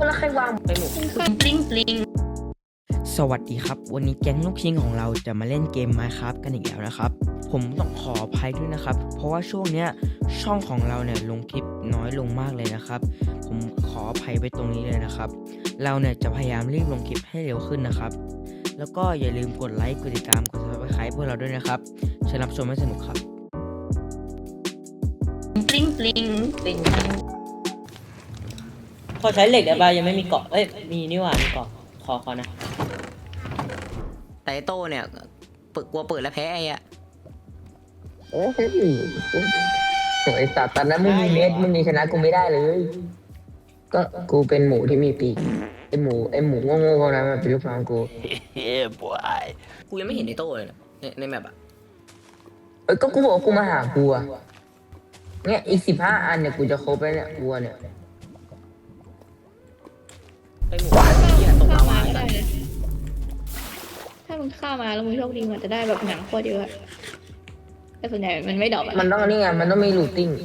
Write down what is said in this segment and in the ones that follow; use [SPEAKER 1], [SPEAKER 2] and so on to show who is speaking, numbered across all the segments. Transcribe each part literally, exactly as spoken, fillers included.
[SPEAKER 1] แล้วใครวางไปหมดปลิ้งปลิ้ง
[SPEAKER 2] สวัสดีครับวันนี้แก๊งลูกชิ้นของเราจะมาเล่นเกม Minecraft กันอีกแล้วนะครับผมต้องขออภัยด้วยนะครับเพราะว่าช่วงเนี้ยช่องของเราเนี่ยลงคลิปน้อยลงมากเลยนะครับผมขออภัยไปตรงนี้เลยนะครับเราเนี่ยจะพยายามรีบลงคลิปให้เร็วขึ้นนะครับแล้วก็อย่าลืมกดไลค์กดติดตามกด ซับสไครบ์ พวกเราด้วยนะครับเชิญรับชมให้สนุกครับ
[SPEAKER 1] ปลิ้งปลิ้งปลิ้ง
[SPEAKER 3] พอใช้เหล็กได้ป่ะยังไม่มีเกาะเอ้ยมีนี่หว่ามีเกาะขอขอนะแต่ไอ้โต้เนี่ยเปิดกลัวเปิดแล้วแพ้ไอ้อะ
[SPEAKER 1] โอ้ยไอ้สัตว์ตอนนั้นไม่มีเม็ดมึงนี่ชนะกูไม่ได้เลยก็กูเป็นหมูที่มีปีกไอหมูไอหมูโง่ๆพวกนั้นมันเป็นลูกน้องกู
[SPEAKER 3] เฮ้ยบอยกูยังไม่เห็นไอ้โต้เลยนะในในแมปอะ
[SPEAKER 1] เอ้ยก็กูบอกกูมาหากูอะเนี่ยอีกสิบห้าอันเนี่ยกูจะครบแล้วเนี่ยกูเนี่ย
[SPEAKER 3] ไอ้หมูเหี้ยตกลาวาก็ได้
[SPEAKER 4] ถ้ามึงเข้ามาแล้วมึงโชคดีมันจะได้แบบหนังโคตรเยอะแต่ส่วนใหญ่มันไม่ดอกอะ
[SPEAKER 1] มันต้องนี่ไงมันต้องมีลูตติ้ง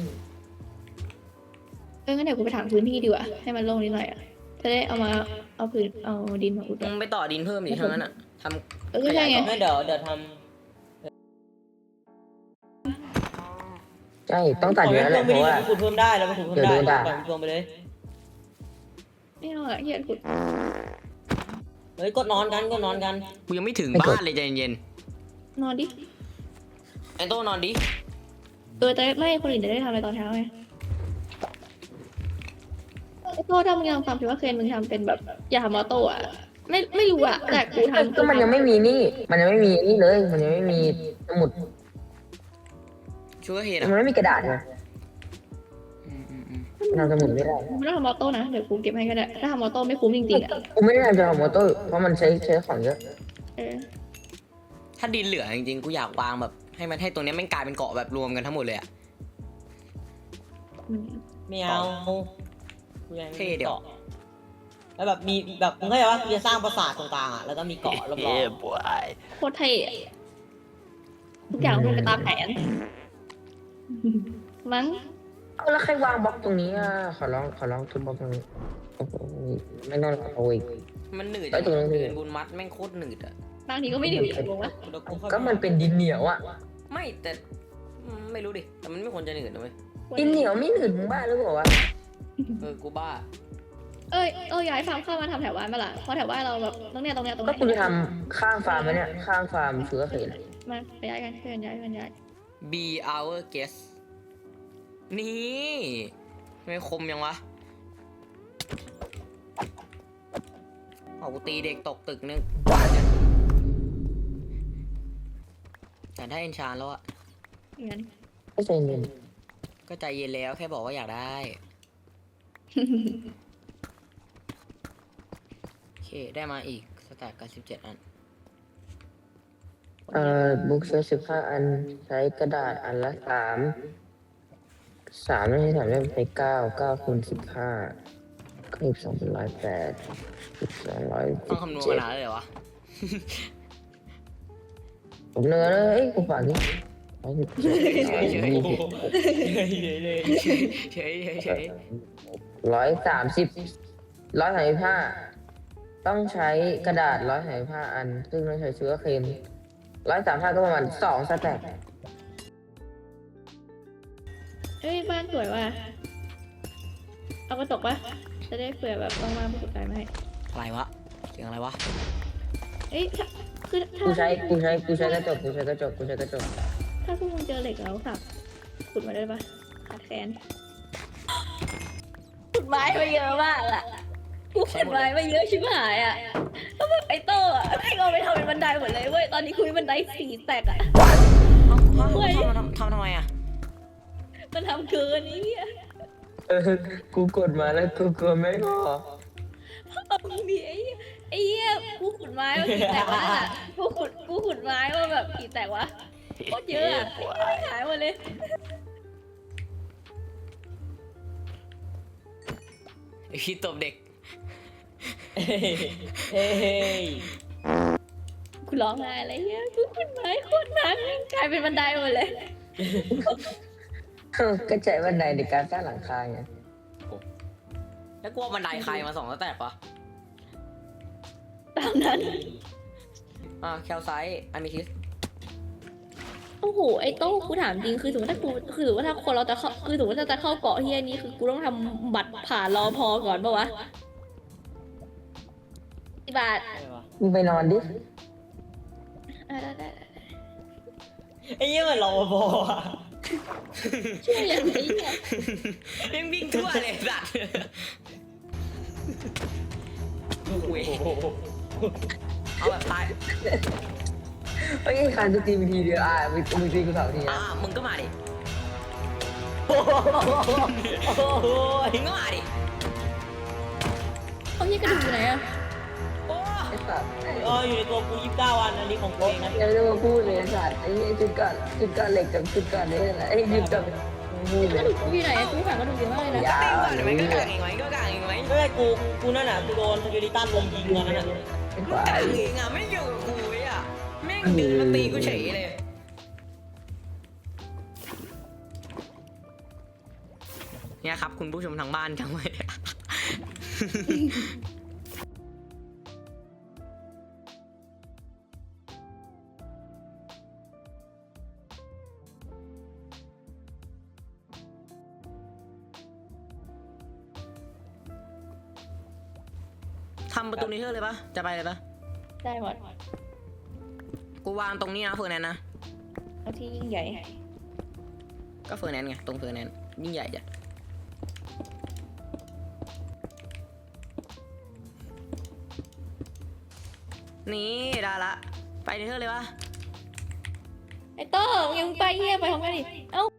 [SPEAKER 4] เอองั้นเดี๋ยวกูไปถามพื้นที่ดีกว่าให้มันโล่งนิดหน่อยอะจะได้เอามาเอาพื้นเอาดินมาอุด
[SPEAKER 3] มึงไปต่อดินเพิ่มดิทั้งนั้นอะทำ
[SPEAKER 4] เออใช่ไง
[SPEAKER 3] ไม่เดี๋ยวเดี๋ยวท
[SPEAKER 1] ใช่ต้องตัดเยอะแหละเพราะว่า
[SPEAKER 3] ขุดเพิ่มได้แล้วมันขุดเพิ่มได้ปล่อยมันรวมไปเลย
[SPEAKER 4] ไม่เอาอะเฮียขุด
[SPEAKER 3] เฮ้ยกดนอนกันกดนอนกันกูยังไม่ถึงบ้านเลยใจเย็น
[SPEAKER 4] นอนดิ
[SPEAKER 3] ไอ้โต้นอนดิ
[SPEAKER 4] เออแต่ไม่คนอื่นจะได้ทำอะไรตอนเช้าไงไอ้โต้ถ้ามึงยังความคิดว่าเคนมึงทำเป็นแบบอย่าทำมอโต้อะไม่ไม่รู้อะแต่กูทำ
[SPEAKER 1] ก็มันยังไม่มีนี่มันยังไม่มีนี่เลยมันยังไม่มีสมุด
[SPEAKER 3] ชัวร์เห็น
[SPEAKER 1] มันไม่มีกระดาษเลยทำสมุดไม่ได้
[SPEAKER 4] กูไม่ต้องทำมอโต้นะเดี๋ยวกูเก็บให้ก็ได้ถ้าทำมอโต้ไม่คุ้มจริงๆอะ
[SPEAKER 1] กูไม่ได้ทำจะทำมอโต้เพราะมันใช้ใช้ของเยอะ
[SPEAKER 4] เออ
[SPEAKER 3] ถ้าดินเหลือจริงๆกูอยากวางแบบให้มันให้ตรงนี้แม่งกลายเป็นเกาะแบบรวมกันทั้งหมดเลยอะไม่เอาเท่เดี๋ยวแล้วแบบมีแบบมึงเข้าใจว่าจะสร้างปราสาทตรงกลางอะแล้วก็มีเกาะรอบ
[SPEAKER 4] ๆโคตรเท่ทุกอย่างเป็นไปตามแผนมั้ง
[SPEAKER 1] เอาแล้วใครวางบล็อกตรงนี้อ่ะขอร้องขอร้องทุบบล็อกตรงนี้ไม่ต้องเอาอีก
[SPEAKER 3] มันหนืดไอ้ตรงนี้บุญมัดแม่งโคตรหนืดอะ
[SPEAKER 4] บางทีก็ไม่หนืดงงวะ
[SPEAKER 1] ก็มันเป็นดินเหนียวอ่ะ
[SPEAKER 3] ไม่แต่ไม่รู้ดิแต่มันไม่ควรจะหนืดนะเว้ย
[SPEAKER 1] ดินเหนียวไม่หนืดมึงบ้าหรือเปล่าวะ
[SPEAKER 3] เออกูบ้า
[SPEAKER 4] เอ้ยเออย้ายฟาร์มเข้ามาทำแถวบ้านมาล่ะเพราะแถวบ้านเราแบบตรงเนี้ยตรงเนี้ยตรง
[SPEAKER 1] นี้ก็คุณทำข้างฟาร์มมาเนี่ยข้างฟาร์มเสือเขน
[SPEAKER 4] มาไปย้ายกันเพื่อนย้ายกันย้าย
[SPEAKER 3] be our guest นี่ไม่คมยังวะเอากูตีเด็กตกตึกนึงแต่ได้เอนชานแล้วอะ
[SPEAKER 4] งั้น
[SPEAKER 1] ก็ใจเย็น
[SPEAKER 3] ก็ใจเย็นแล้วแค่บอกว่าอยากได้โอเคได้มาอีกสแต็กกันสิบเจ็ดอัน
[SPEAKER 1] เอ่อบุ๊กใช้สิบห้าอันใช้กระดาษอันละสามสามไม่ใช่สามได้ใช้เก้าเก้าคูณสิบห้าก็อีกสองเป็นร้อยแปดสิบสองร้อย
[SPEAKER 3] ต้องคำนวณขนาดเลยเหรอวะ
[SPEAKER 1] ผมเนื้อเลยกูฝากนี่ร้อยสามสิบร้อยสามสิบห้าต้องใช้กระดาษร้อยสามสิบห้าอันซึ่งต้องใช้เชื้อเค็มร้อยสามห้าก็ประมาณสองสแต็ก
[SPEAKER 4] เอ้ยบ้านสวยว่ะเอากระจกปะจะได้เผื่อแบบว่างๆไม่สุดใจไหม
[SPEAKER 3] อะไรวะเสียงอะไรวะ
[SPEAKER 4] เอ้ยคือ
[SPEAKER 1] กูใช้กูใช้กูใช้กระจกกูใช้กระจกกูใช้กระจก
[SPEAKER 4] ถ้าพวกมึงเจอเหล็กแล้วสับขุดมาได้ปะขาดแคลนขุดไม้มาเยอะมากอะกูขุดไม้มาเยอะชิบหายอะแล้วแบบไอ้โต้อะให้เราไปทำเป็นบันไดหมดเลยเว้ยตอนนี้คุยบันไดสี่แตกอะ
[SPEAKER 3] เฮ้ยทำทำทำไมอะ
[SPEAKER 4] มันทำเกินนี้
[SPEAKER 1] เออกูกดมาแล้วกูกดไม่พอ
[SPEAKER 4] เอาดิไอ้ไอ้เหี้ยกูขุดไม้ว่ากี่แตกวะกูขุดกูขุดไม้ว่าแบบกี่แตกวะโคตรเยอะอะหายหมดเลย
[SPEAKER 3] ไอ้พี่ตบเด็กเฮ้ย
[SPEAKER 4] กูร้องไห้อะไรเงี้ยกูขุดไม้โคตรหนักกลายเป็นบันไดหมดเลย
[SPEAKER 1] ก็ใช้บันไดในการสร้างหลังคาไง
[SPEAKER 3] แล้วกลัวบันไดใครมาสองแล้วแตกปะ
[SPEAKER 4] ตามนั้น
[SPEAKER 3] อ่าแคลไซต์อะมิทิส
[SPEAKER 4] โอ้โหไอ้โต้กูถามจริงคือสมมติถ้ากูคือสมมติถ้าคนเราจะเข้าคือสมมติถ้าจะเข้าเกาะที่นี้คือกูต้องทำบัตรผ่านรอพอก่อนปะวะกี่บาท
[SPEAKER 3] อะไรวะ
[SPEAKER 1] มึงไปนอนดิ
[SPEAKER 4] อ่ะได้ได้ได้
[SPEAKER 3] ไอ้เหี้ยมันรอพออ่ะ
[SPEAKER 4] ช่วยอย่างนี้เนี่ย
[SPEAKER 3] ยังวิ่งทั่วเลยสัตว์โอ้ยเอาแบบตาย
[SPEAKER 1] ไอ้ยคานจะตีมึงทีเดียวอ่ะมึงมึงตีกูสองที
[SPEAKER 3] อ่า
[SPEAKER 1] อ่ะ
[SPEAKER 3] มึงก็มาดิมึงก็มาดิ
[SPEAKER 4] เขาเรียกกระดูกอยู่ไหนอะ
[SPEAKER 3] โอ้
[SPEAKER 1] ไอ้สัตว์
[SPEAKER 3] เอออยู่ในตัวกูยี่สิบเก้าวันอันนี้ของกูเองนะ
[SPEAKER 1] ยังไม่ได้มาพูดเลยไอ้สัตว์ไอ้เนี่ยจุดกัดจุดกัดเหล็กกับจุดกัดนี่แหละไอ้จุดกัดพูด
[SPEAKER 4] ก
[SPEAKER 1] เล
[SPEAKER 4] ระ
[SPEAKER 1] ย
[SPEAKER 4] ดูกอยู่ไหนอะกูหากระดูกเยอะมากเลยนะ
[SPEAKER 1] อย่า
[SPEAKER 3] ก็กางเองไหมก็กางเองไหม
[SPEAKER 5] ไม่ใช่กู กูนั่นน่ะ กูโดนสกิลิตันลมยิงตอนนั้นน่ะ
[SPEAKER 1] ไอ้
[SPEAKER 3] มึง
[SPEAKER 1] ฝ่าก
[SPEAKER 3] าง
[SPEAKER 1] ย
[SPEAKER 3] เองอ่ะไม่อยู่กับกูเลยอ่ะแม่งดึงมาตีกูเฉยเลยเนี่ยครับคุณผู้ชมทางบ้านทั้งหมดทำประตูนี้เท่าเลยปะจะไปเลยปะ
[SPEAKER 4] ได้หมด
[SPEAKER 3] กูวางตรงนี้นะเฟอร์แนนด์นะ
[SPEAKER 4] เอาที่ยิ่งใหญ่
[SPEAKER 3] ก็เฟอร์แนนด์ไงตรงเฟอร์แนนด์ยิ่งใหญ่จ้ะนี่ได้ละไปเนเธอร์เลยวะ
[SPEAKER 4] ไอ้โต้มึงยังไปเฮียไปของกันดิเอ้า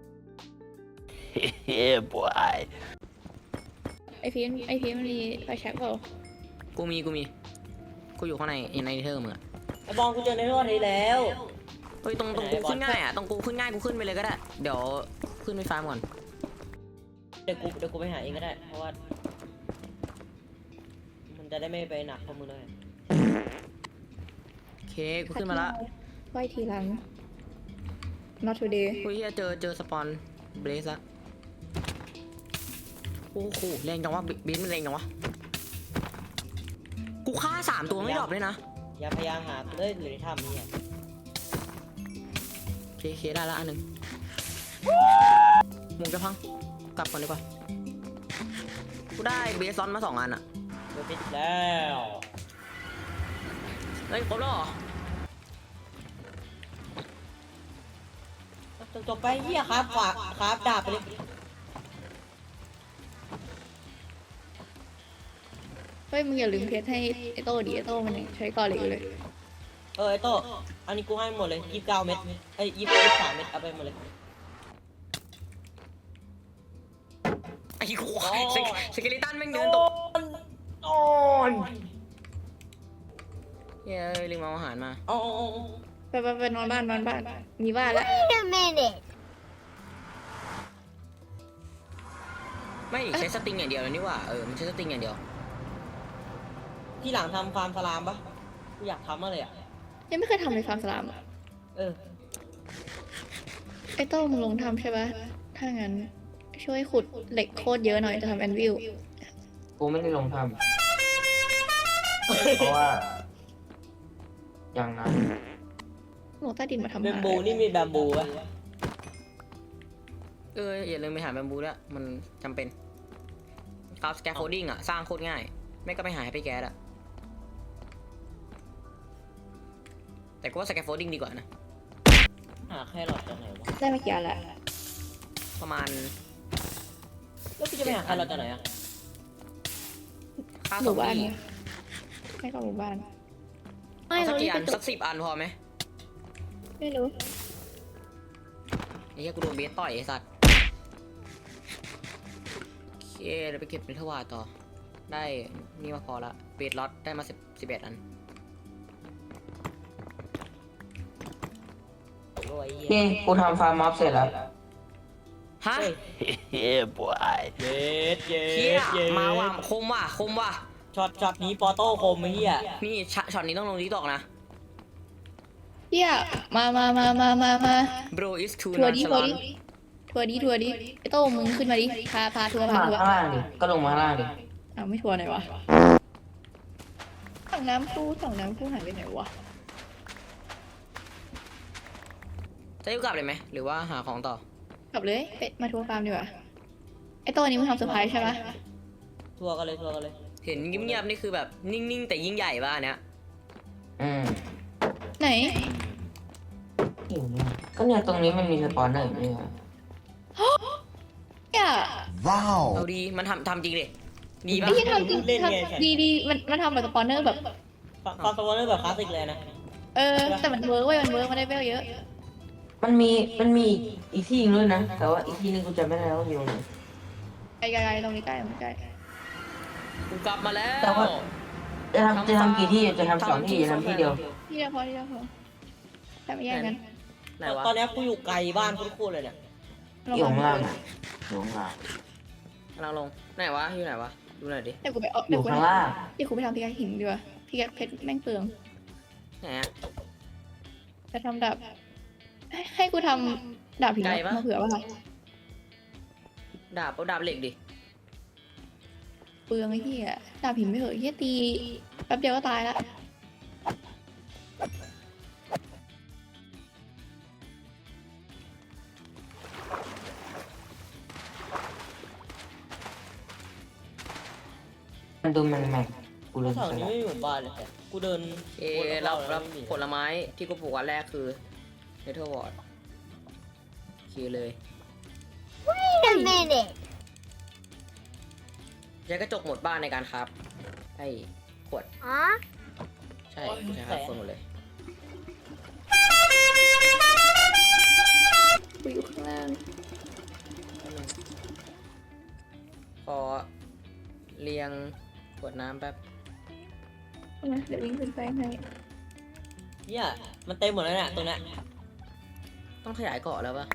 [SPEAKER 6] Yeah, boy.
[SPEAKER 4] ไอพีมไอพีมมันมีไฟแช็กเปล่า
[SPEAKER 3] กูมีกูมีกูอยู่ข้างในในเนเธอร์มึงอะ
[SPEAKER 5] ไอ้บอลกูเจอในรอบนี้แล้ว
[SPEAKER 3] เฮ้ยตรงตรงกูขึ้นง่ายอะตรงกูขึ้นง่ายกูขึ้นไปเลยก็ได้เดี๋ยวขึ้นไปฟาร์มก่อน
[SPEAKER 5] เดี๋ยวกู เดี๋ยวกูไปหาเองก็ได้ เพราะว่า มันจะได้ไม่ไปหนักเพราะมึงเลย
[SPEAKER 3] โอเคกูขึ้นมาละ
[SPEAKER 4] ไหวทีหลัง not today
[SPEAKER 3] กูเฮียเจอเจอสปอนเบรสละโอ้โหแรงจังวะบินมันแรงจังวะกูฆ่าสามตัวไม่ดรอปเลยนะ
[SPEAKER 5] อย่าพยายามหาเลยหรือในถ้ำนี่อ่ะ
[SPEAKER 3] โอเคโอเคได้ละอันหนึ่งมุงจะพังกลับก่อนดีกว่ากูได้เบสซอนมาสองอันอะ
[SPEAKER 5] เดี๋ยวปิดแล้ว
[SPEAKER 3] เฮ้ยครบแล้วเหรอ
[SPEAKER 5] จบจบไปเหี้ยครับฝากครับดาบไปเลย
[SPEAKER 4] เฮ้ยมึงอย่าลืมเพชรให้ไอโต้ดิไอโต้มันยังใช้ก่อเหล็กอยู่เลย
[SPEAKER 5] เออไอ้โต้อันนี้กูให้หมดเลยยี่สิบเก้าเม็ดเอ้ยยี่สิบสามเม็ดเอาไปหมดเลย
[SPEAKER 3] ไอ้ขวายสเกลิตันแม่งเดินตก
[SPEAKER 5] นอน
[SPEAKER 3] เฮ้ยลืมเอาอาหารมา
[SPEAKER 5] อ๋ออ๋ออ๋อ
[SPEAKER 4] ไปไปไปนอนบ้านนอนบ้าน มีบ้านแล้ว
[SPEAKER 3] ไม่ใช้สติงอย่างเดียวแล้วนี่หว่าเออมันใช้สติงอย่างเดียว
[SPEAKER 5] ที่หลังทำฟาร์มสลามปะกูอยากทำมากเลยอ่ะ
[SPEAKER 4] ยังไม่เคยทำเลยฟาร์มสลามอะ
[SPEAKER 5] เออ
[SPEAKER 4] ไอโต้มึงลงทำใช่ปะถ้างั้นช่วยขุดเหล็กโคตรเยอะหน่อยจะทำแอนวิล
[SPEAKER 1] กูไม่ได้ลงทำเพราะว่า อย่างนั้น
[SPEAKER 4] ลงใต้ดินมาทำ
[SPEAKER 5] แบม
[SPEAKER 4] หา
[SPEAKER 5] บูนี่มีแบมบูปะ
[SPEAKER 3] เอออย่าลืมไปหาแบมบูด้วยมันจำเป็นคราฟสแกฟโฟลดิ้งอะสร้างโคตรง่ายไม่ก็ไปหาให้ไปแก๊สอะแต่กูว่าสแกฟโฟลดิ้งดีกว่านะ
[SPEAKER 5] หาแครอทจากไหนวะ
[SPEAKER 4] ได้มากี่อันละ
[SPEAKER 3] ประมาณ
[SPEAKER 5] แล้วกูจะไปหาแครอทจากไหนอ่ะ
[SPEAKER 3] ค่า
[SPEAKER 4] ห
[SPEAKER 3] สอ
[SPEAKER 4] มู่
[SPEAKER 3] ง
[SPEAKER 4] บ้าน
[SPEAKER 3] ที่
[SPEAKER 4] เนี่ยไม่ก็หมู่บ้าน ไม่
[SPEAKER 3] เอาสั
[SPEAKER 4] เรา
[SPEAKER 3] ก
[SPEAKER 4] รี
[SPEAKER 3] กี่
[SPEAKER 4] บ
[SPEAKER 3] อั
[SPEAKER 4] ไป
[SPEAKER 3] น
[SPEAKER 4] ต
[SPEAKER 3] สั
[SPEAKER 4] ก
[SPEAKER 3] กสิบอันพอไหม
[SPEAKER 4] ไม่รู้
[SPEAKER 3] ไอ้เหี้ยกูโดนเบสต่อยไอ้สัตว์โอเคเดี๋ยวไปเก็บเมทัลวาต่อได้นี่มาพอละเบสล็อตได้มาสิบสิบเอ็ดอัน
[SPEAKER 5] โอ้ยเหี้ย
[SPEAKER 1] นี่กูทำฟาร์มม็อบเสร็จแล้ว
[SPEAKER 3] ฮะ
[SPEAKER 6] Yeah, boy.
[SPEAKER 5] เย็ดเย็
[SPEAKER 3] เฮีย
[SPEAKER 5] ดเย็ด
[SPEAKER 3] มาว่ะคมว่ะคมว่ะ
[SPEAKER 5] ช็อตช็อตนี้ปอโต้คมไอ้เหี้ย
[SPEAKER 3] นี่ช็อตช็อตนี้ต้องลงทิกตอกนะ
[SPEAKER 4] เฮียมามามามามามา
[SPEAKER 3] bro is too
[SPEAKER 4] ทัวร์ดิทัวร์ดิ
[SPEAKER 3] nonchalant
[SPEAKER 4] ทัวร์ดิทัวร์ดิไอโต้มึงขึ้นมาดิพาพาทัวร์พา
[SPEAKER 1] มา
[SPEAKER 4] ทัวร์
[SPEAKER 1] ข้างล่างดิก็ลงมาข้างล่างดิ
[SPEAKER 4] อ้าวไม่ทัวร์ไหนวะถังน้ำตู้ถังน้ำตู้หายไปไหนวะ
[SPEAKER 3] จะอยู่กลับเลยไหมหรือว่าหาของต่อก
[SPEAKER 4] ลับเลยไปมาทัวร์ฟาร์มดีกว่าไอโต้นี้มึงทำเซอร์ไพรส์ใช่ปะ
[SPEAKER 5] ทัวร์กันเลยทัวร์กันเลย
[SPEAKER 3] เห็นเงียบๆนี่คือแบบนิ่งๆแต่ยิ่งใหญ่ป่ะอันเนี้ย
[SPEAKER 1] อืม
[SPEAKER 4] ไหน
[SPEAKER 1] อยู่เนี่ยก็เนี่ยตรงนี้มันมีสปอนเนอร์อยู่เนี่ย
[SPEAKER 4] อย่า
[SPEAKER 3] เอาดีมันทำทำจริงดิดีป่ะ
[SPEAKER 4] ไอ้ที่ทำจริงทำดีดีมันมันทำแบบสปอนเนอร์แบบ
[SPEAKER 5] ฟังฟังสปอนเนอร์แบบคลาสสิกเลยนะ
[SPEAKER 4] เออแต่มันเวิร์กเว้ยมันเวิร์กมันได้เวลเยอะ
[SPEAKER 1] มันมีมันมีอีกที่หนึงด้วยนะแต่ว่าอีกที่หนึงกูจำไม่ได้ว่าอยู่ตรงไหน
[SPEAKER 4] ไกลไกลๆตรงนี้ใกล้ตรงนี้ใกล้
[SPEAKER 3] กูกลับมาแล้ว
[SPEAKER 1] แต่ว่า จะทำจะทำกี่ที่จะทำสองที่จะทำที่เดียว
[SPEAKER 4] ที่เดียวพอที่เดียวพอแต่ไม่แย่งกัน
[SPEAKER 3] ไหนวะ
[SPEAKER 5] ตอนเนี้ยกูอยู่ไกลบ้านโคตรๆเลยเนี่ย
[SPEAKER 1] อยู่ข้างล่างอะอยู่ข้างล่าง
[SPEAKER 3] กำลังลงไหนวะอยู่ไหนวะดูหน่อยดิ
[SPEAKER 4] เดี๋ยวกูไปเอา
[SPEAKER 1] อ
[SPEAKER 4] เดี๋ยว
[SPEAKER 1] ยู่
[SPEAKER 4] กู
[SPEAKER 1] ข้างล่าง
[SPEAKER 4] เดี๋ยวกูไปทำพิกาหินดีกว่าพิกาเพชรแม่งเปลือง
[SPEAKER 3] ไหนอะ
[SPEAKER 4] จะทำดาบให้ให้กูทำดาบหิน
[SPEAKER 3] ไกลปะ
[SPEAKER 4] มาเผื่อว่า
[SPEAKER 3] ดาบเอาดาบเหล็กดิ
[SPEAKER 4] เปลืองไอ้เหี้ยดาบหินไม่เหอะเหี้ยตีแป๊บเดียวก็ตายละ
[SPEAKER 1] มันดูมันแม็กกูเลย
[SPEAKER 5] แถว
[SPEAKER 1] ใส่
[SPEAKER 5] นี้ไม่มีหมู่บ้านเลยกูเดิน
[SPEAKER 3] เอรับรับผลไม้ที่กูปลูกวันแรกคือเนเธอร์วอร์ดโอเคเลยใช้กระจกหมดบ้านในการครับไอ้ขวดใช่ใช่ครับคนหมดเลย
[SPEAKER 4] กูอยู่ข้างล่าง
[SPEAKER 3] พอเรียงขวดน้ำแป๊บ
[SPEAKER 4] นะเดี๋ยววิ่งขึ้นไปให้
[SPEAKER 5] เนี่ยมันเต็มหมดแล้วเนี่ยตรงเนี้ย
[SPEAKER 3] ต้องขยายเกาะแล้วปะ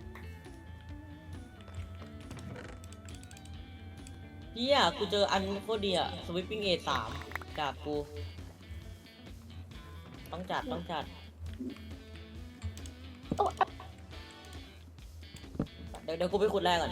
[SPEAKER 5] เฮียกูเจออันโคตรดีอะสวิปปิ้งเอสามจากกู ต้องจัดต้องจัด
[SPEAKER 4] โอ้
[SPEAKER 5] เดี๋ยวเดี๋ยวกูไปขุดแรกก่อน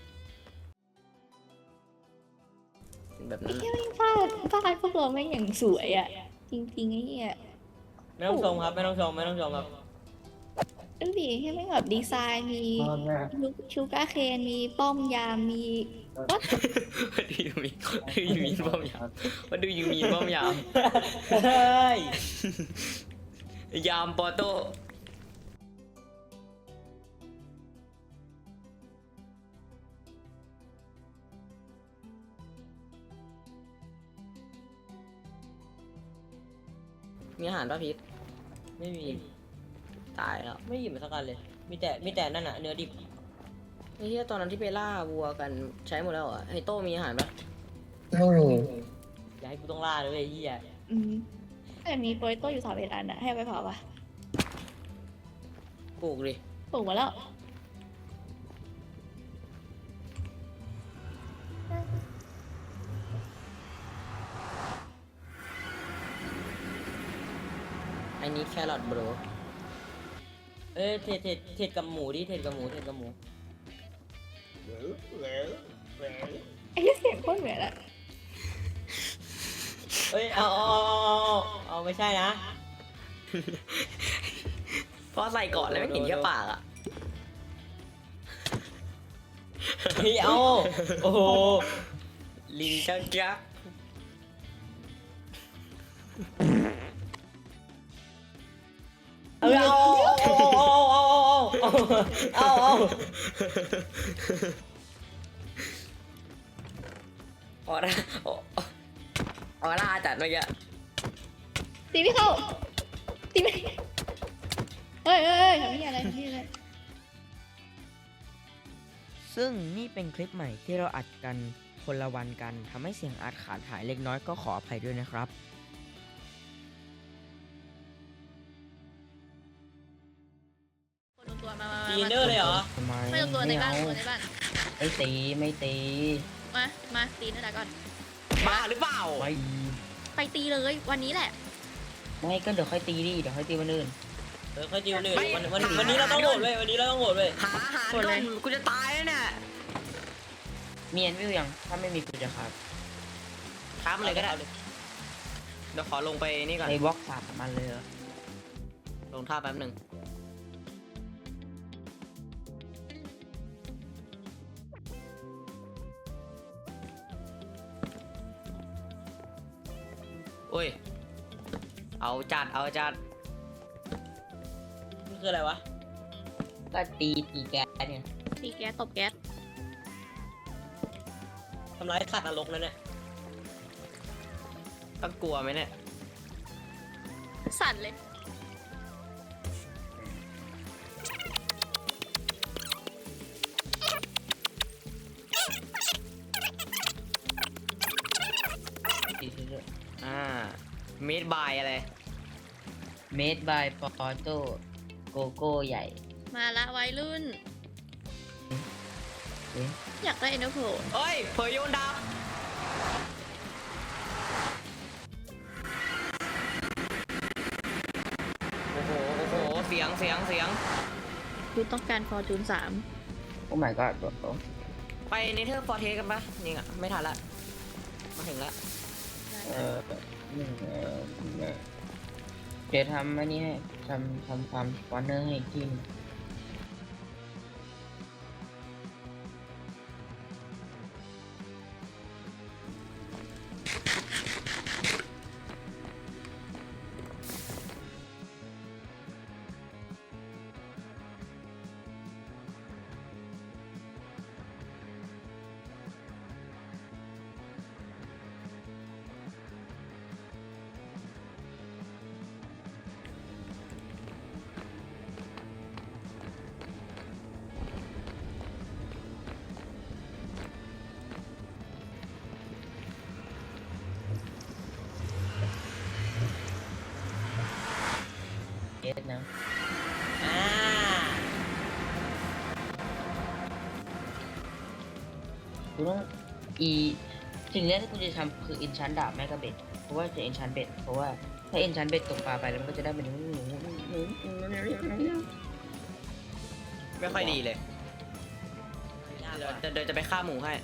[SPEAKER 3] แบบ
[SPEAKER 4] ไอ้
[SPEAKER 3] นั้น
[SPEAKER 4] เหี้ยแม่งฟาดฟาดพวกเราแม่งอย่างสวยอ่ะ จริงๆไอ้เหี้ย
[SPEAKER 5] ไม่ต้องชมครับไม่ต้องชมไม่ต้องชมครับ
[SPEAKER 4] ดูดิให้แม่งแบบดีไซน์มีชูการ์เคนมีป้อมยามมีวัด
[SPEAKER 3] ว่าดูยูมีว่าดูยูมีป้อมยามว่าดูยูมีป้อมยาม
[SPEAKER 5] เฮ้ย
[SPEAKER 3] ยามปอโต้มีอาหารป่ะพีท
[SPEAKER 5] ไม่มี
[SPEAKER 3] ตายแล้ว
[SPEAKER 5] ไม่หยิบมาสักอันเลย มีแต่มีแต่นั่นอะเนื้อดิบ
[SPEAKER 3] ไอ้เหี้ยตอนนั้นที่ไปล่าวัวกันใช้หมดแล้วเหรอไฮโต้มีอาหารปะ
[SPEAKER 1] ไม่มี
[SPEAKER 5] อย่าให้กูต้องล่าเลยเว้ยไอ้เฮีย
[SPEAKER 4] อืมแต่มีโปรยโต้อยู่สามเอ็ดอันอะให้เอาไปเผาปะ
[SPEAKER 3] ปลูกดิ
[SPEAKER 4] ปลูกมาแล้ว
[SPEAKER 3] ไอ้นี้แครอทบร
[SPEAKER 5] เอ้ยเทรดเทรดเทรดกับหมูดิเทรดกับหมูเทรดกับหมู
[SPEAKER 4] ไอ้เหี้ยเสียงโคตรเหมือนอะ
[SPEAKER 5] เอ้ยเอาเอาเอาเอาเอาไม่ใช่นะ
[SPEAKER 3] เพราะใส่เกาะเลยไม่เห็นแค่ปากอ่ะ
[SPEAKER 5] เฮ้ยเอาโอ้โห
[SPEAKER 3] ลิงจักจัก
[SPEAKER 5] เอาเอาเอาเอาเอาเอาเอาเอา
[SPEAKER 3] ออร่าออร่าจัดเมื่อกี้
[SPEAKER 4] ตีไม่เข้าตีไม่เฮ้ยเฮ้ยเฮ้ยทำนี่อะไรทำนี่อะไร
[SPEAKER 2] ซึ่งนี่เป็นคลิปใหม่ที่เราอัดกันคนละวันกันทำให้เสียงอัดขาดหายเล็กน้อยก็ขออภัยด้วยนะครับ
[SPEAKER 4] คนลงตัวมามา
[SPEAKER 5] ตีเนอร์เลยเหรอ
[SPEAKER 2] ทำไม
[SPEAKER 4] ไม่ลงตัวในบ้านลงตัวในบ้าน
[SPEAKER 2] ไม่ตีไม่ตี
[SPEAKER 4] มา มาตีนั่นแหละก่อน
[SPEAKER 3] บ้าหรือเปล่า
[SPEAKER 2] ไม่
[SPEAKER 4] ไปตีเลยวันนี้แหละ
[SPEAKER 2] ไม่ก็เดี๋ยวค่อยตีดิเดี๋ยวค่อยตีวันอื่น
[SPEAKER 5] เออค่อยดิวเลยวันวันวันนี้เราต้องโหวตเว้ยวันนี้เราต้องโหวตเว้ย
[SPEAKER 3] หาอาหารก่อนกูจะตายแล้วเนี่ย
[SPEAKER 2] มีอันวิวยังถ้าไม่มีกูจะครับ
[SPEAKER 3] ท้ามันเลยก็ได้เดี๋ยวขอลงไปนี่ก่อน
[SPEAKER 2] ในบล็อกสามมันเลยเหรอ
[SPEAKER 3] ลงท่าแป๊บหนึ่งโอ้ยเอาจัดเอาจัด
[SPEAKER 5] นี่คืออะไรวะ
[SPEAKER 2] ก็ตีตีแก๊สเนี่ย
[SPEAKER 4] ตีแก๊สตบแก๊ส
[SPEAKER 5] ทำร้ายสัตว์นรกนั่นเนี่ย
[SPEAKER 3] ต้องกลัวไหมเนี่ย
[SPEAKER 4] สั่นเลย
[SPEAKER 2] ตีเรื่อย
[SPEAKER 3] อ่ามิดบายอะไร
[SPEAKER 2] เมดบายปอโต้โกโก้ใหญ่
[SPEAKER 4] มาละวัยรุ่น
[SPEAKER 2] เอ๊ะ
[SPEAKER 4] อยากได้เอ็นเตอร์โพ
[SPEAKER 3] เอ้ยเผยโยนดาวโอ้โหโอ้โหเสียงเสียงเสียง
[SPEAKER 4] คุณต้องการฟอร์จูนสาม
[SPEAKER 2] โอ้ my god บร
[SPEAKER 3] ไปเนเธอร์ฟอร์เทสกันปะนี่อ่ะไม่ทันละมาถึงละ
[SPEAKER 2] เออหนึ่งเออเดี๋ยวทำอันนี้ให้ทำทำฟาร์มสปอนเนอร์ให้อีกทีหนึ่ง เอสนะ
[SPEAKER 5] อ่า
[SPEAKER 2] กูต้องอีสิ่งแรกที่กูจะทำคือ enchant ดาบแมกกาเบ็ดเพราะว่าจะ enchant เบ็ดเพราะว่าถ้า enchant เบ็ดตกปลาไปแล้วมันก็จะได้เป็น
[SPEAKER 3] ไม่ค่อยดีเลยเดี๋ยวจะเดี๋ยวจะไปฆ่าหมูให้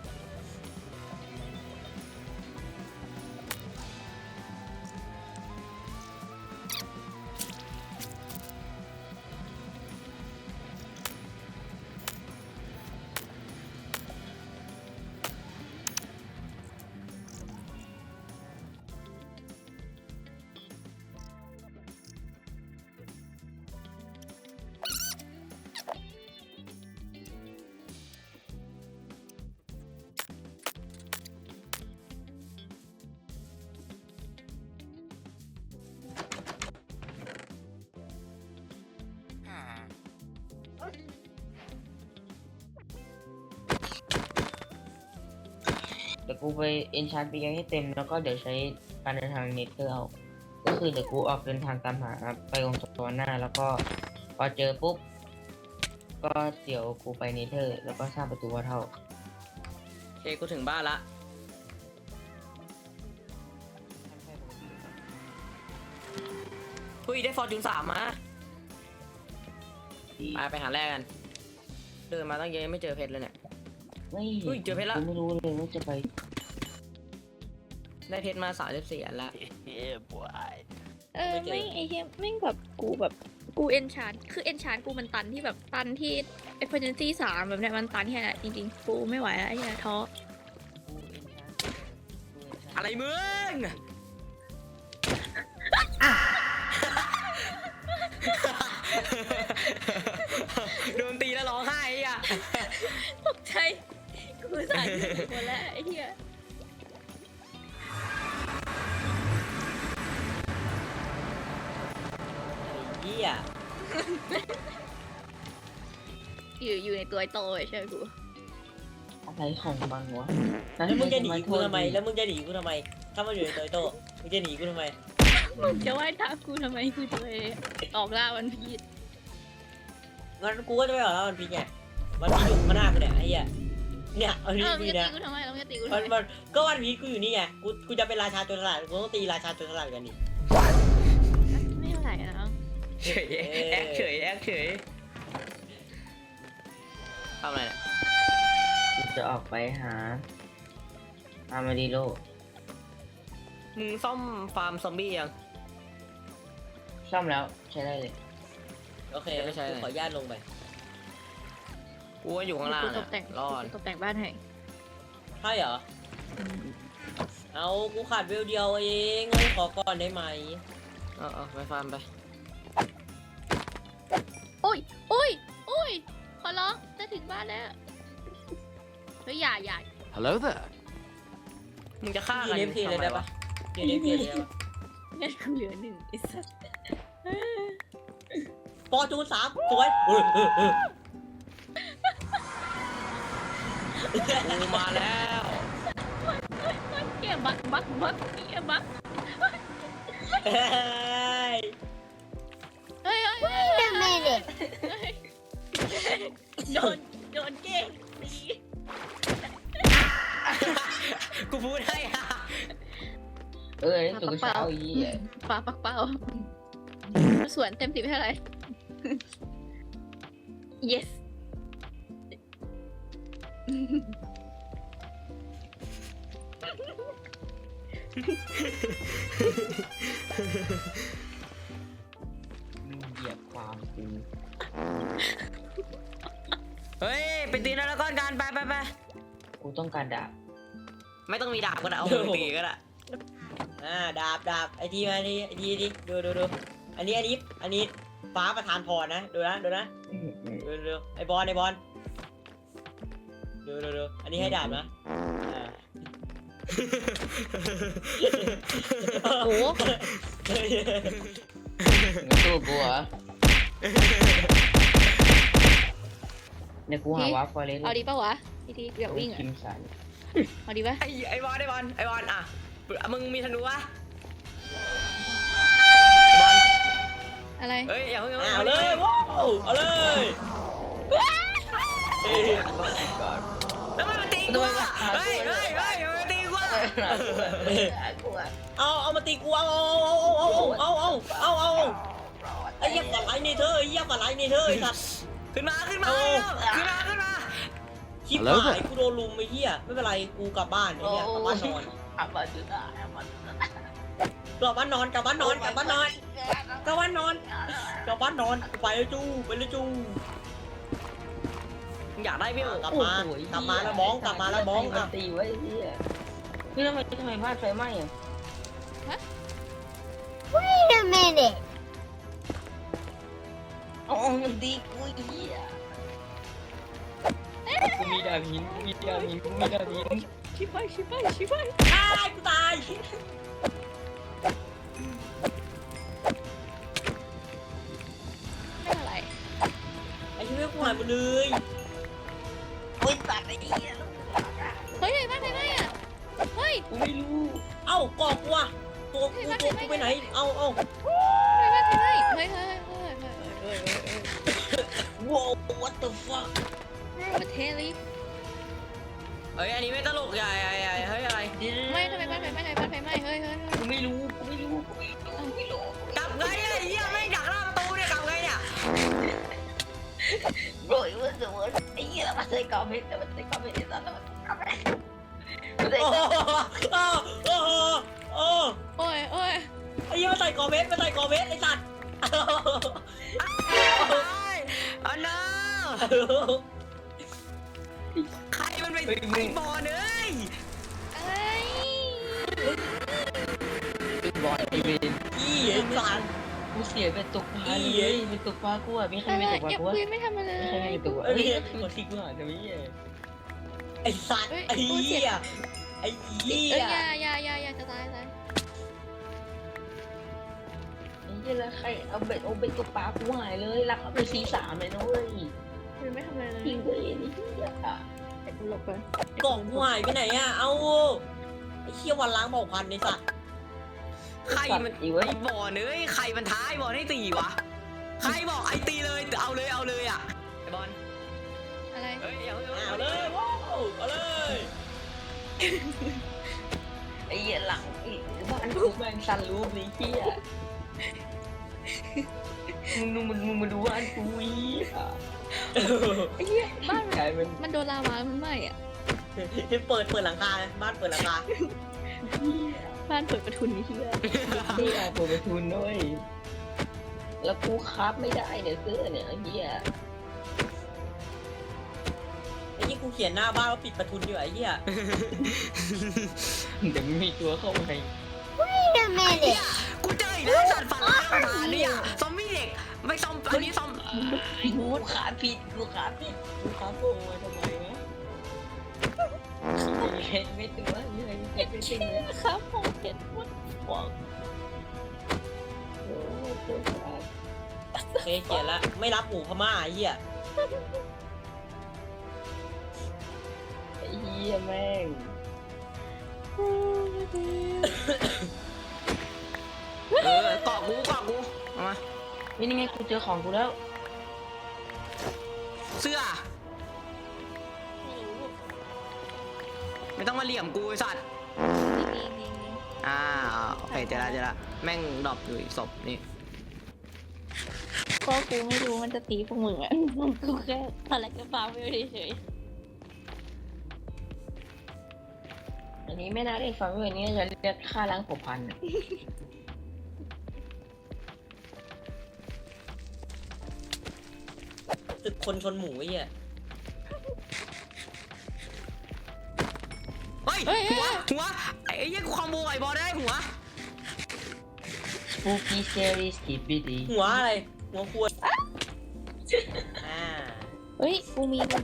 [SPEAKER 2] เดี๋ยวกูไป enchant ไปยังให้เต็มแล้วก็เดี๋ยวใช้การเดินทางเนเธอร์เอาก็คือเดี๋ยวกูออกเดินทางตามหาไปองค์สวรรค์หน้าแล้วก็พอเจอปุ๊บก็เดี๋ยวกูไปเนเธอร์แล้วก็สร้างประตูวัดเท่า
[SPEAKER 3] โอเคกูถึงบ้านละคุยได้ฟอร์จูนสามมาไปไปหาแรกกัน เดินมาตั้งเยอะยังไม่เจอเพชรเลยเนี่ย
[SPEAKER 2] ไม่
[SPEAKER 3] อุ้ยเจอเพชรละ
[SPEAKER 2] กูไม่รู้เลยว่าจะไป
[SPEAKER 3] ได้เพชรมาสามสิบสี่อันละ
[SPEAKER 6] Yeah, boy.
[SPEAKER 4] เออไม่ไอ้เหี้ยแม่งแบบกูแบบกูเอนชานคือเอนชานกูมันตันที่แบบตันที่เอฟเฟอร์เจนซี่สามแบบเนี้ยมันตันที่ไหนจริงๆกูไม่ไหวแล้วไอ้เหี้ยท้อ
[SPEAKER 3] อะไรมึง โดนตีแล้วร้องไห้อ่ะ
[SPEAKER 4] ตกใจกูสั่นหมดแล้วไอ้เหี้ย
[SPEAKER 5] เหี้ย
[SPEAKER 4] อยู่อยู่ในตัวไอ้โตเลยใช่ไหมกู
[SPEAKER 2] อะไรของมันวะ
[SPEAKER 5] แล้วมึงจะหนีกูทำไมแล้วมึงจะหนีกูทำไมถ้ามันอยู่ในตัวไอ้โต้มึงจะหนีกูทำไม
[SPEAKER 4] มึงจะว่ายตามกูทำไมกูจะไปออกล่าวันพีช
[SPEAKER 5] งั้นกูก็จะไปหาแล้วมันพีไงมันพีอยู่ข้างหน้ากูเนี่ยไอ้เหี้ยเนี่ยเอา
[SPEAKER 4] เอ
[SPEAKER 5] ดี
[SPEAKER 4] อมึง
[SPEAKER 5] พี
[SPEAKER 4] จะ
[SPEAKER 5] นะ
[SPEAKER 4] ตีกูทำไมแล้วมึงจะตีกู
[SPEAKER 5] มั
[SPEAKER 4] ทำ
[SPEAKER 5] น
[SPEAKER 4] ไม
[SPEAKER 5] มันก็วันพีกูอยู่นี่ไงกูกูจะเป็นราชาโจรสลัดกูต้องตีราชาโจรสลัดกันดิ
[SPEAKER 4] ไม่เท่าไหร่นะ
[SPEAKER 3] เฉยแอคเฉยแอคเฉยทำอะไรเนี่ย
[SPEAKER 1] จะออกไปหาอามาดิโล
[SPEAKER 3] มึงซ่อมฟาร์มซอมบี้ยัง
[SPEAKER 1] ซ่อมแล้วใช้ได้เลย
[SPEAKER 5] โอเค
[SPEAKER 3] ไม่ใช่
[SPEAKER 5] กูขออนุญาตลงไป
[SPEAKER 3] กูว่าอยู่ข้างล่าง
[SPEAKER 4] กูต
[SPEAKER 3] อะ
[SPEAKER 4] กแต่ง
[SPEAKER 3] รอด
[SPEAKER 4] กูตกแต่งบ้านให้
[SPEAKER 5] ใช่เหรอ เอากูขาดเวลเดียวเองงั้นขอก่อนได้ไหม
[SPEAKER 3] เออเออไปฟาร์มไป
[SPEAKER 4] โอ้ยโอ้ยโอ้ยขอร้องจะถึงบ้านแล้วเฮ้ยอย่าอย่า
[SPEAKER 6] Hello there.
[SPEAKER 3] มึงจะฆ่า
[SPEAKER 5] ยื
[SPEAKER 3] กัน
[SPEAKER 5] นเอฟพีเลยได้ปะยืนเอฟพีเลยได้ปะ
[SPEAKER 4] งั้นกูเหลือหนึ่งไอ้สัส
[SPEAKER 5] ปอจูนสามสวยเออเออเออ
[SPEAKER 3] กูมาแล้ว
[SPEAKER 4] เกี่ยบักบักบักเกี่ยบัก
[SPEAKER 5] เฮ้ย
[SPEAKER 4] เฮ้ยเฮ้ยเฮ้ยเฮ้ยเฮ้ยโดนโดนเก่งดี
[SPEAKER 3] กูพูดให้อะ
[SPEAKER 1] เอ้ยตื่นเช้าอี
[SPEAKER 4] ปลาปักเป้าสวนเต็มสิบเท่าไหร่ yes
[SPEAKER 1] มึงเหยียบความกู
[SPEAKER 3] เฮ้ยไปตีนแล้วก้อนกันไปไปไป
[SPEAKER 1] กูต้องการดาบ
[SPEAKER 3] ไม่ต้องมีดาบก็ได้เอามือตีก็ได้
[SPEAKER 5] อ่าดาบดาบไอทีมาทีไอทีดิดูดูดูอันนี้อันนี้อันนี้ฟ้าประธานพรนะดูนะดูนะดูดูดูไอบอลไอบอลดูดูดูอันนี้ให้ดาบนะอ่า
[SPEAKER 4] โอ้
[SPEAKER 1] มึงสู้กูเหรอเนี่ยกูหาวาฟอเรส
[SPEAKER 4] เอาดีป่าวะพี่ทีอยากวิ่งอ่ะ
[SPEAKER 1] คิมสัน
[SPEAKER 4] เอาดีป่ะ
[SPEAKER 3] ไอไอบอลไอบอลไอบอลอ่ะมึงมีธนูปะบอล
[SPEAKER 4] อะไร
[SPEAKER 3] เฮ้ยอย่าเพิ่ง
[SPEAKER 5] อ่าเอาเลยว้าวเอาเลยเอ้ย
[SPEAKER 3] แล้วมันตีกูอ่ะเฮ้ยเฮ้ยเฮ้ยมันตีกูอ่ะ
[SPEAKER 5] เอาเอามาตีกูเอาเอาเอาเอาเอาเอาเอาเอาไอ้เหี้ยฝันไรนี่เธอไอ้เหี้ยฝันไรนี่เธอไอ้สัตว์
[SPEAKER 3] ขึ้นมาขึ้นมาขึ้นมาขึ้นมา
[SPEAKER 5] ชิบหายกูโดนลุมไอ้เหี้ยไม่เป็นไรกูกลับบ้านไอ้เหี้ยกลับบ้านนอน
[SPEAKER 1] อาบาจุดาอาบาจุดาก
[SPEAKER 5] ลับบ้านนอนกลับบ้านนอนกลับบ้านนอนกลับบ้านนอนกลับบ้านนอนไปเลยจูไปเลยจู
[SPEAKER 3] อยากได้พี่
[SPEAKER 5] กลับมากลับมาแล้วมองกลับมาแล้วมองอ่ะ
[SPEAKER 1] ตีไว้ที่พี่ทำไมทำไมบ้านไฟไหม้อ่ะ
[SPEAKER 7] Wait a minute.
[SPEAKER 1] อ๋อมันตีกูอีอ่ะกูมีดาบหินกูมีดาบหินกูมีดาบหิน
[SPEAKER 4] ชิบไปชิบไปชิบไป
[SPEAKER 5] ตายกูตาย
[SPEAKER 4] ไม่อะไร
[SPEAKER 5] ไอ้เหี้ยกูหายหมดเลย
[SPEAKER 1] โอ้ยตัดไอ้เหี้ย
[SPEAKER 4] เฮ้ยไหนบ้านไหนบ้านอ่ะเฮ้ย
[SPEAKER 1] กูไม่รู้
[SPEAKER 5] เอ้ากอกกูอ่ะตัวกูตัวกูไปไหนเอาเอา
[SPEAKER 4] ไหนบ้านไหนบ้านเฮ้ยเฮ้ยเฮ้ยเฮ้ยเฮ้ยเฮ้ยเฮ้ย
[SPEAKER 1] ว้าว what the fuck
[SPEAKER 4] ประเทศลิ
[SPEAKER 3] เฮ้ยอันนี้ไม่ตลกใหญ่ใหญ่ใหญ่เฮ้ยอะไร
[SPEAKER 4] ไม่ทำไมบ้านไหนบ้านไหนบ้านไหนบ้านเฮ้ยเฮ้ย
[SPEAKER 1] กูไม่รู้กูไม่รู้กูไม่รู้กูไม่รู้
[SPEAKER 3] กลับไงไอ้เหี้ยไม่ดักหน้าประตูเนี่ยกลับไงเนี่ย
[SPEAKER 1] โรยว่าจะว่าไอ้เหี้ยมันใส่กอเม็ดแต่มันใส่กอเม็ดไอ้สัตว์มันกอเม็ดมันใส่
[SPEAKER 5] โอ้
[SPEAKER 1] กอ
[SPEAKER 5] โหโอ้โหโอ้
[SPEAKER 4] โอ้ยโอ้ย
[SPEAKER 5] ไอ้เหี้ยมาใส่กอเม็ดมาใส่กอเม็ดไอ้สัตว์
[SPEAKER 3] อันน่าใครมันไปไอ้บอลเอ้ย
[SPEAKER 4] อะไร
[SPEAKER 1] เป็นบอลไอเวน
[SPEAKER 5] อีไอ้สัตว์
[SPEAKER 1] กูเสียไปตกปลาเลยไปตกปลากูอ่ะมีใคร
[SPEAKER 4] อะไร
[SPEAKER 1] ไม่ตกปลา
[SPEAKER 4] อย่า
[SPEAKER 1] กูวะ
[SPEAKER 4] คุยไม่ทำอะไร
[SPEAKER 1] มีใครไม่ตกปลา
[SPEAKER 5] เอ้
[SPEAKER 1] เฮ้
[SPEAKER 5] ย
[SPEAKER 1] ยกดที่กูหาทำไมเนี่ย
[SPEAKER 5] ไอ้สัตว์ไอ้เหี้ยไอ้เหี้
[SPEAKER 4] เอ้ย
[SPEAKER 5] ย
[SPEAKER 4] อย่าอย่าอย่าอย่าจะตายตาย
[SPEAKER 1] ไอ้เหี้ยแล้วใครเอาเบ็ดเอาเบ็ดตกปลากูหายเลยรักเอาไปซีสามเลยนะเว้ย
[SPEAKER 4] คุยไม่ทำอะไรเลย
[SPEAKER 1] ทิ้งเลยนี่เหี้ยอ่ะ
[SPEAKER 4] แต่กูหลบไป
[SPEAKER 5] กล่องกูหายไปไหนอ่ะเอาไอ้เหี้ยวันล้างบอกพันไอ้สัตว์
[SPEAKER 3] ใครมันไอ้บอลเอ้ยใครมันท้ายบอลให้ตีวะใครบอกไอ้ตีเลยเอาเลยเอาเลยอ่ะไอ้บอล
[SPEAKER 4] อะไร
[SPEAKER 3] เฮ้ยอย่าเพิ่ง
[SPEAKER 5] เอาเลยว้าวเอาเลย
[SPEAKER 1] ไอ้เหี้ยหลังไอ้บ้านกูแม่งสั่นรูปนี้เหี้ย
[SPEAKER 2] มึงดูมึงมึงมาดูบ้านกูอีอ่ะ
[SPEAKER 4] ไอ้เหี้ยบ้าน
[SPEAKER 2] กลายเป็น
[SPEAKER 4] มันโดนลาวามันไหม้อะ
[SPEAKER 5] เปิดเปิดหลังคาบ้านเปิดหลังคา
[SPEAKER 4] บ้านเปิดประทุนนี่เหี้ย
[SPEAKER 2] ที่อาเปิดประทุนด้วยแล้วกูคับไม่ได้เนี่ยเสื้อเนี่ยไอ้เหี้ย
[SPEAKER 5] ไอ้ยี่กูเขียนหน้าบ้านว่าปิดประทุนดีกว่าไอ้เหี้ย
[SPEAKER 2] เดี๋ยวไม่มีตัวเข้าไป
[SPEAKER 7] Wait a minute.
[SPEAKER 3] กูเจออีกแล้วสัตว์ฝันร้ายมาเนี่ยซอมบี้เด็กไม่ซอมอันนี้ซอม
[SPEAKER 2] กูขาผิดกูขาผิดกูขาโกงมาทำไมวะเห็นไม่ตัวนี่อะไรเห็นไม่จริงเลย
[SPEAKER 4] ครับผมเห็นหมดหวัง
[SPEAKER 2] โอ้ตัวขา
[SPEAKER 5] เฮ้ยเขียนละไม่รับหมูพม่าไอ้เหี้ย
[SPEAKER 2] ไอ้เหี้ยแม่ง
[SPEAKER 3] เออเกาะกูเกาะกูเอามา
[SPEAKER 2] นี่นี่ไงกูเจอของกูแล้ว
[SPEAKER 3] เสื้อไม่ต้องมาเหลี่ยมกูไอ้สัตว์
[SPEAKER 4] นี่นี่นี่
[SPEAKER 3] อ่าโอเคเจอละเจอละแม่งดรอปอยู่อีกศพนี่
[SPEAKER 4] ก็กูไม่รู้มันจะตีพวกมึงอะกูแค่อะไรก็ฟ้าไม่ได้เฉย
[SPEAKER 2] อันนี้ไม่น่าเรียกฟังเวอร์นี้จะเรียกค่าล้างผมพันอะ
[SPEAKER 5] ตึกคนชนหมูไอ้เหี้ย
[SPEAKER 3] เฮ้ยหัวหัวไอ้เหี้ยกูคอมโบไอ้บอลได้หัว
[SPEAKER 2] สปูกี้เซรีสกีบีดี
[SPEAKER 5] หัวอะไรหัวควรอ่า
[SPEAKER 4] เฮ้ยกูมีแบบ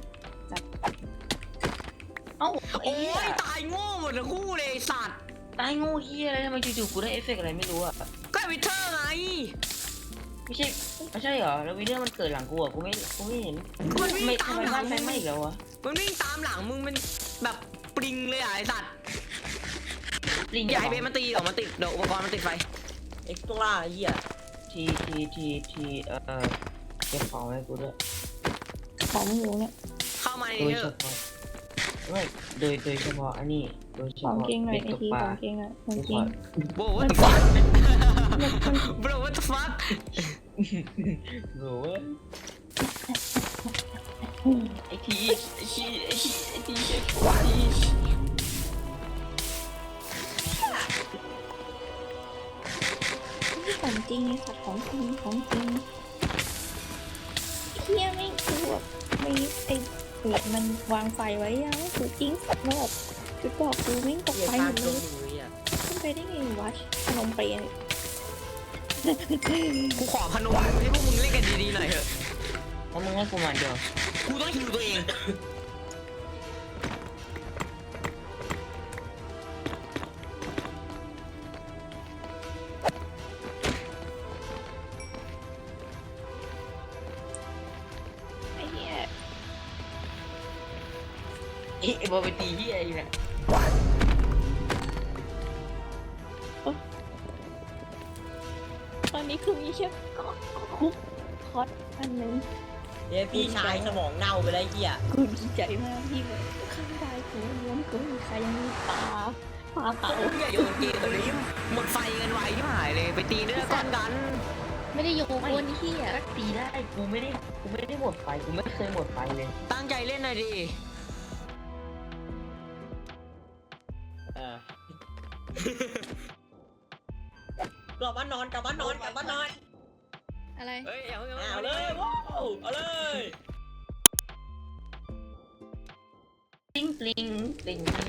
[SPEAKER 2] เอ้า
[SPEAKER 3] โอ้ยตายโง่หมดทั้งคู่เลยไอ้สัตว์
[SPEAKER 2] ตายงูเฮียอะไรทำไมจู่ๆกูได้เอฟเฟกต์อะไรไม่รู้อะ
[SPEAKER 3] ก็วิเทอร์ไง
[SPEAKER 2] ไม่ใช่ไม่ใช่เหรอแล้ววิดีโอมันเกิดหลังกูอะกูไม่กูไม่เห็น
[SPEAKER 3] มันวิ่ง
[SPEAKER 2] ไม่
[SPEAKER 3] ตา
[SPEAKER 2] ทำ
[SPEAKER 3] ม
[SPEAKER 2] ไม
[SPEAKER 3] หลั
[SPEAKER 2] บ้าง นไฟไหม้อีกแล้ววะ
[SPEAKER 3] มันวิ่งตามหลังมึงเป็นแบบปริงเลยอ่ะไอ้สัตว์
[SPEAKER 2] ลิง
[SPEAKER 3] อย่าให้เบสมันตีเดี๋ยวมันติดเดี๋ยวอุปกรณ์มันติดไฟ
[SPEAKER 5] เอ็กซ์ตร้าไอ้เหี้ย
[SPEAKER 2] ทีทีทีทีเอ่อเก็บของไว้กูด้วย
[SPEAKER 4] ของมึงอยู่เนี่ย
[SPEAKER 3] เข้ามาใน
[SPEAKER 2] โดย
[SPEAKER 3] นี้เถ
[SPEAKER 2] เฉ
[SPEAKER 3] อะ
[SPEAKER 2] พาะไม่โดยโดยเฉพาะอันนี้โดยเฉ
[SPEAKER 4] ของ
[SPEAKER 2] พาะ
[SPEAKER 4] เก่งหน่อย
[SPEAKER 2] เบ็ด
[SPEAKER 4] ไอ
[SPEAKER 2] ตก
[SPEAKER 4] ที
[SPEAKER 2] ป
[SPEAKER 4] ข
[SPEAKER 2] ลา
[SPEAKER 4] องเก่งอ่ะของ
[SPEAKER 2] กูข
[SPEAKER 4] เก่
[SPEAKER 2] อง
[SPEAKER 3] โบ what the fuck bro what the fuck
[SPEAKER 2] โหไอทีไอทีไอทีไอทีไอที
[SPEAKER 4] นี่ของจริงไอ้สัตว์ของจริงของจริงเฮียไม่คือแบบไม่ไอ้เปิดมันวางไฟไว้ยังคือจริงสัตว์แบบจุดบอกกูไม่งตก
[SPEAKER 5] เหี้ย
[SPEAKER 4] ไฟ
[SPEAKER 5] กา
[SPEAKER 4] หม
[SPEAKER 5] ร
[SPEAKER 4] ด
[SPEAKER 5] ช
[SPEAKER 4] เลย
[SPEAKER 5] นหมูไอ้เหี้ย
[SPEAKER 4] ขึ้นไปได้ไงวะขนมเปรย์
[SPEAKER 3] กูขอพนมให้พวกมึงเล่นกันดีๆหน่อยเถอะ
[SPEAKER 2] เพราะมึงให้กูมาเดียว
[SPEAKER 3] กูต้องฮิวตัวเอง
[SPEAKER 4] ไอ้เหี้ย
[SPEAKER 2] ไอ้ไอ้บอลไปตีที่ไอ้เนี่ย
[SPEAKER 4] ตอนนี้คือมีแค่คุกคอสอันหนึง
[SPEAKER 5] เดี๋ยวพี่ชายสมองเน่าไปแล้วไอ้เหี้ย
[SPEAKER 4] กูดีใจมากที่แบบข้างได้กูล้วนกูมีใครยังมีปลาปลาเผา
[SPEAKER 3] มึงอย่าโยนเกมเลยหมดไฟกันไวที่หายเลยไปตีเนื้อก้อนกัน
[SPEAKER 4] ไม่ได้โยนวนเหี้ย
[SPEAKER 2] ก็ตีได้กูไม่ได้กูไม่ได้หมดไฟกูไม่เคยหมดไฟเลย
[SPEAKER 3] ตั้งใจเล่นหน่อยดิ
[SPEAKER 5] เออ กลับบ้านนอนกลับบ้านนอนกลับบ้านนอน
[SPEAKER 4] อะไร
[SPEAKER 3] เฮ้ยอย่าเพิ่ง
[SPEAKER 5] เอาเลยว้าวเอาเลย
[SPEAKER 2] ปลิงปลิงปลิง